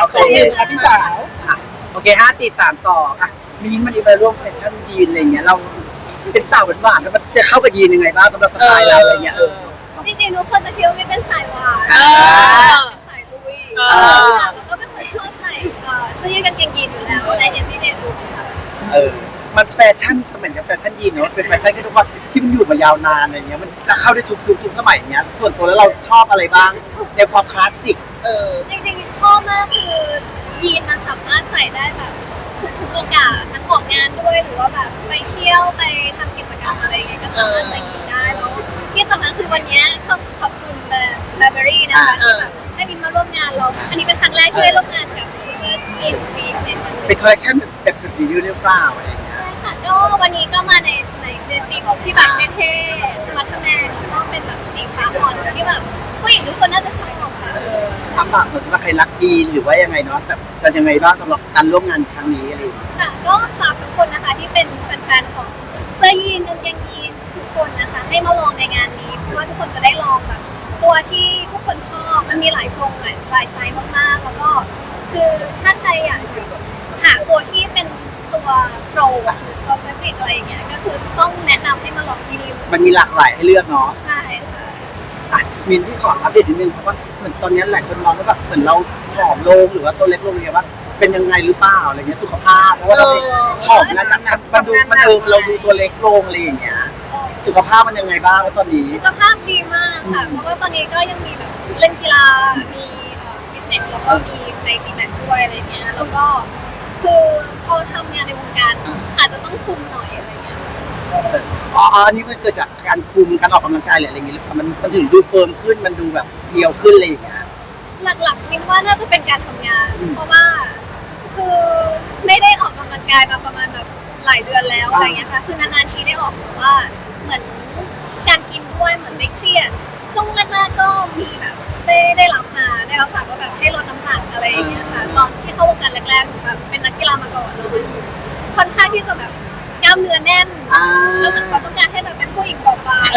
เคครับพี่สาวโอเค5 4 3ต่ออ่ะมีนมันอีไปร่วมแฟชั่นยีนอะไรเงี้ยเราเป็นสาวหวานๆแล้วมันจะเข้ากับยีนยังไงบ้างสำหรับสไตล์เราอะไรเงี้ยจริงๆทุกคนจะคิดว่าไม่เป็นสายหวานเป็นสายลุยแล้วก็เป็นคนชอบใส่เสื้อยืดกางเกงยีนอยู่แล้วในeveryday look ค่ะมันแฟชั่นเหมือนกับแฟชั่นยีนเนาะเป็นแฟชั่นที่ทุกวันที่มันอยู่มายาวนานอะไรเงี้ยมันจะเข้าได้ทุกยุคทุกสมัยเงี้ยส่วนตัวแล้วเราชอบอะไรบ้างในความคลาสสิกจริงๆชอบมากคือยีนมันสามารถใส่ได้แบบทุกโอกาสทั้งออกงานด้วยหรือว่าแบบไปเที่ยวไปทำกิจกรรมอะไรอย่างเงี้ยก็สามารถใส่ยีนได้แล้วที่สำคัญคือวันนี้ชอบขอบคุณBurberry นะคะที่แบบให้มินมาร่วมงานเราอันนี้เป็นครั้งแรกที่ได้ร่วมงานกับซูเปอร์จีนวีคในวันนี้เป็นคอลเลคชันแบบรีวิวหรือเปล่าอะไรเงี้ยใช่ค่ะก็วันนี้ก็มาในธีมที่แบบเท่ๆธรรมะทแมงแล้วก็เป็นแบบสีฟ้าอ่อนที่แบบผู้หญิงทุกคนน่าจะชอบของค่ะทำแบบเหมือนว่าใครรักยีนหรือว่ายังไงเนาะแบบกันยังไงบ้างสำหรับการร่วมงานครั้งนี้อะไรค่ะก็ฝากทุกคนนะคะที่เป็นแฟนๆของเสื้อยีนกางเกงยีนทุกคนนะคะให้มาลองในงานนี้เพราะว่าทุกคนจะได้ลองแบบตัวที่ทุกคนชอบมันมีหลายทรงหลายไซส์มากๆแล้วก็คือถ้าใครอยากหาตัวที่เป็นตัวโปรตัวเฟรนอะไรอย่างเงี้ยก็คือต้องแนะนำให้มาลองที่นี่มันมีหลากหลายให้เลือกเนาะใช่ค่ะมินที่ขออัปเดตนิดนึงเพราะว่าเหมือนตอนนี้หลายคนมองว่าแบบเหมือนเราผอมลงหรือว่าตัวเล็กลงเนี่ยว่าเป็นยังไงหรือเปล่าอะไรเงี้ยสุขภาพเพราะว่าเราผอมนั้นมันดูเราดูตัวเล็กลงอะไรอย่างเงี้ยสุขภาพมันยังไงบ้างตอนนี้สุขภาพดีมากค่ะเพราะว่าตอนนี้ก็ยังมีแบบเล่นกีฬามีฟิตเนสแล้วก็มีไปตีแบดด้วยอะไรเงี้ยแล้วก็คือพอทำงานในวงการอาจจะต้องคุมหน่อยอะไรเงี้ยอันนี้มันเกิดจากการคุมการออกกำลังกายหรืออะไรอย่างเงี้ยหรือเปล่ามันถึงดูเฟิร์มขึ้นมันดูแบบเรียวขึ้นอะไรอย่างเงี้ยหลักๆมินว่าน่าจะเป็นการทำงานเพราะว่าคือไม่ได้ออกกำลังกายมาประมาณแบบหลายเดือนแล้วอะไรเงี้ยค่ะคือนานๆทีได้ออกแต่ว่าเหมือนการกินด้วยเหมือนไม่เครียดช่วงแรกๆก็มีแบบได้รับสารว่าแบบให้ลดน้ำหนักอะไรอย่างเงี้ยค่ะตอนที่เข้าวงการแรกๆแบบเป็นนักกีฬามาก่อนแล้วมันค่อนข้างที่จะแบบกล้ามเนื้อแน่นแล้วมันต้องการให้แบบเป็นผู้หญิงเบาบาง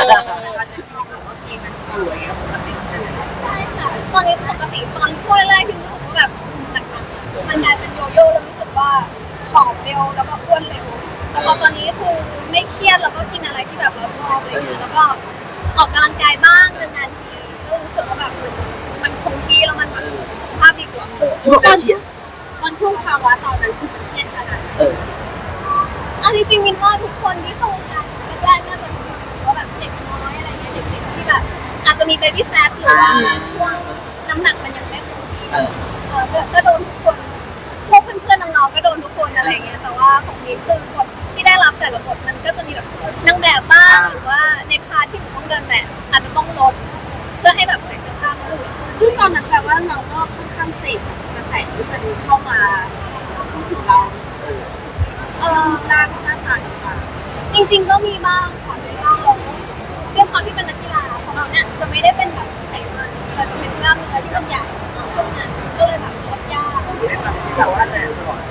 ใช่ค่ะตอนนี้ปกติตอนช่วงแรกๆที่รู้สึกว่าแบบหนักๆมันกลายเป็นโยโย่แล้วรู้สึกว่าผอมเร็วแล้วก็อ้วนเร็วแต่พอตอนนี้คือไม่เครียดแล้วก็กินอะไรที่แบบเราชอบเลยแล้วก็ออกกำลังกายบ้างนานๆทีก็รู้สึกว่าแบบมันคงที่แล้วมันสุขภาพดีกว่าตอนช่วงภาวะตอนนั้นคือมันเครียดขนาดนั้นจริงๆมินว่าทุกคนที่เข้าวงการแรกๆน่าจะรู้ว่าแบบเด็กน้อยอะไรเงี้ยเด็กๆที่แบบอาจจะมีเบบี้แฟทหรือว่าช่วงน้ำหนักมันยังไม่คงที่ก็โดนทุกคนพวกเพื่อนๆน้องๆก็โดนทุกคนอะไรเงี้ยแต่ว่าของมินคือบทที่ได้รับแต่ละบทมันก็จะมีแบบนางแบบบ้างหรือว่าในพาร์ทที่หนูต้องเดินแบบอาจจะต้องลดเพื่อให้แบบใส่เสื้อผ้ามาสวยซึ่งตอนนั้นแปลว่าเราก็ค่อนข้างเสพกระแสที่มันเข้ามาถึงเรารูปร่างหน้าตาต่างๆจริงๆก็มีบ้างค่ะมีบ้างเราด้วยความที่เป็นนักกีฬาของเราเนี่ยจะไม่ได้เป็นแบบไขมันแต่จะเป็นกล้ามเนื้อที่มันใหญ่ช่วงนั้นก็เลยแบบลดยากแต่ว่าแต่ตลอด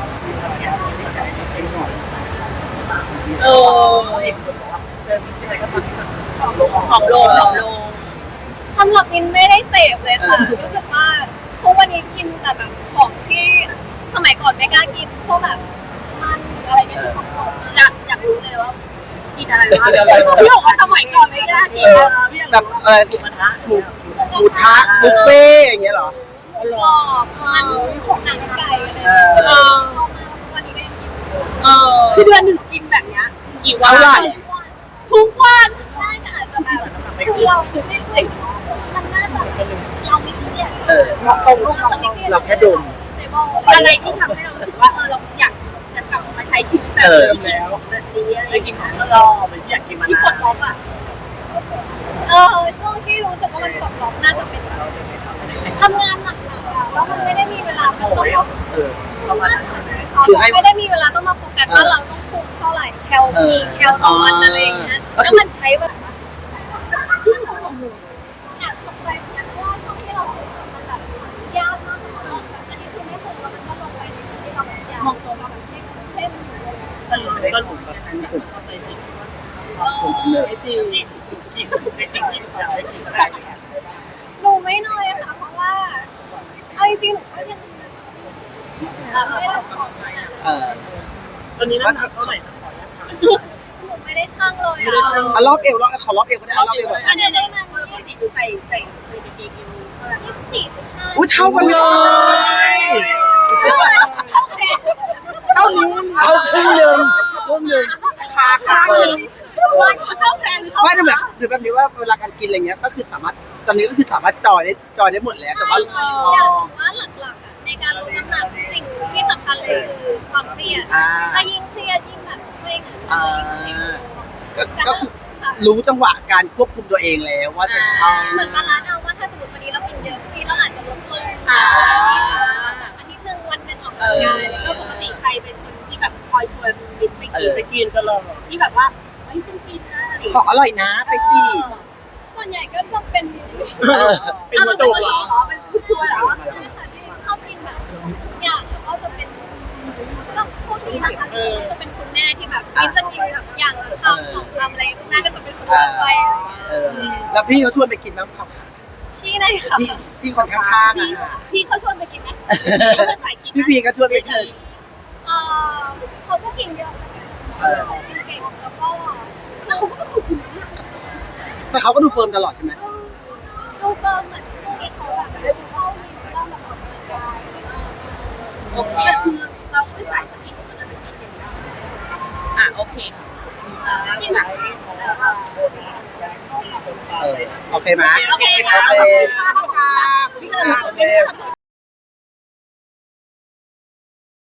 ผอมลงสำหรับมินไม่ได้เสพเลยค่ะรู้สึกว่าพวกวันนี้กินแต่แบบของที่สมัยก่อนไม่กล้ากินพวกแบบมันอะไรเงี้ยที่ของผมอยากรู้เลยว่ากินอะไรบ้างพี่บอกว่าสมัยก่อนไม่กล้ากินแบบหมูทะบุฟเฟ่อย่างเงี้ยหรอหลอกมันของหนังไก่อะไรชอบมากวันนี้ก็ยังกินคือเดือนหนึ่งกินแบบเนี้ยกี่วันทุกวันได้แต่อาจจะแบบคือเราไม่เคยมันน่าจะเราไม่เครียดเราแค่ดมอะไรที่ทำให้เรารู้สึกว่าเราอยากจะกลับมาใช้ชีวิตแบบเดิมแล้วแบบนี้อะไรกินของเราแบบอยากกินมาที่ปลดล็อกอ่ะช่วงที่รู้สึกว่ามันปลดล็อกน่าจะเป็นแบบทำงานหนักๆอ่ะแล้วมันไม่ได้มีเวลาต้องไม่ได้มีเวลาต้องมาโฟกัสว่าเราต้องคุมเท่าไหร่แคลต่อวันอะไรอย่างเงี้ยแล้วมันใช้แบบตกใจเหมือนกันว่าช่วงที่เราคุมมันแบบยากมากเลยแบบอันนี้คือไม่คุมแล้วมันก็ลงไปในที่เราแบบยาวมองตัวเราแบบไม่เข้มก็ถูกแบบหนูไม่น้อยค่ะเพราะว่าเอาจริงๆก็ยังไม่ได้ทำตอนนี้น้ำหนักเท่าไหร่นะขออนุญาตถามหนูไม่ได้ช่างเลยไม่ได้ช่างรอบเอวขอรอบเอวก็ได้รอบเอวแบบอันนี้ได้มาปกติดูใส่กางเกงเอวเท่าไหร่ 24.5 อุ้ยเท่ากันเลยเท่านี้เท่าครึ่งหนึ่งขาเข้าแฟนหรือเข้าไม่แต่แบบหรือแบบนี้ว่าเวลาการกินอะไรเงี้ยก็คือสามารถตอนนี้ก็คือสามารถจอยได้หมดแล้วแต่ว่าอยากบอกว่าหลักๆในการลดน้ำหนักสิ่งที่สำคัญเลยคือความเครียดถ้ายิ่งเครียดยิ่งแบบเคร่งก็คือรู้จังหวะการควบคุมตัวเองแล้วว่าจะเหมือนบาลานซ์เอาว่าถ้าสมมติวันนี้เรากินเยอะทีเราอาจจะลดลงอาทิตย์หนึ่งวันหนึ่งออกกำลังกายแล้วปกติใครเป็นคนที่แบบคอยชวนบินไปกินไปกินตลอดที่แบบว่าเฮ้ยต้องกินนะอะไรของอร่อยนะไปสิส่วนใหญ่ก็จะเป็นเป็นหัวโจกเหรอเป็นผู้ช่วยเหรอเนี่ยค่ะที่ชอบกินแบบทุกอย่างแล้วก็จะเป็นก็โชคดีนะคะจะเป็นคุณแม่ที่แบบคิดจะกินแบบอย่างละคำสองคำอะไรคุณแม่ก็จะเป็นคนเลือกไปแล้วพี่เขาชวนไปกินบ้างเปล่าที่ไหนคะพี่คนข้างๆอ่ะพี่เขาชวนไปกินไหมสายกินพี่พีก็ชวนไปกินเขาก็กินเยอะเขากินเก่งแล้วก็แต่เขาก็เป็นคนกินนะแต่เขาก็ดูเฟิร์มตลอดใช่ไหมดูเบิร์เหมือนช่วงนี้เขาแบบได้ดูเข้าวินเริ่มแบบออกกำลังกายโอเคแต่คือเราก็ไม่สายสกินมันจะเป็นกินอย่างเดียวโอเคกินแบบโอเคไหมโอเคค่ะโอเคพี่ก็เลย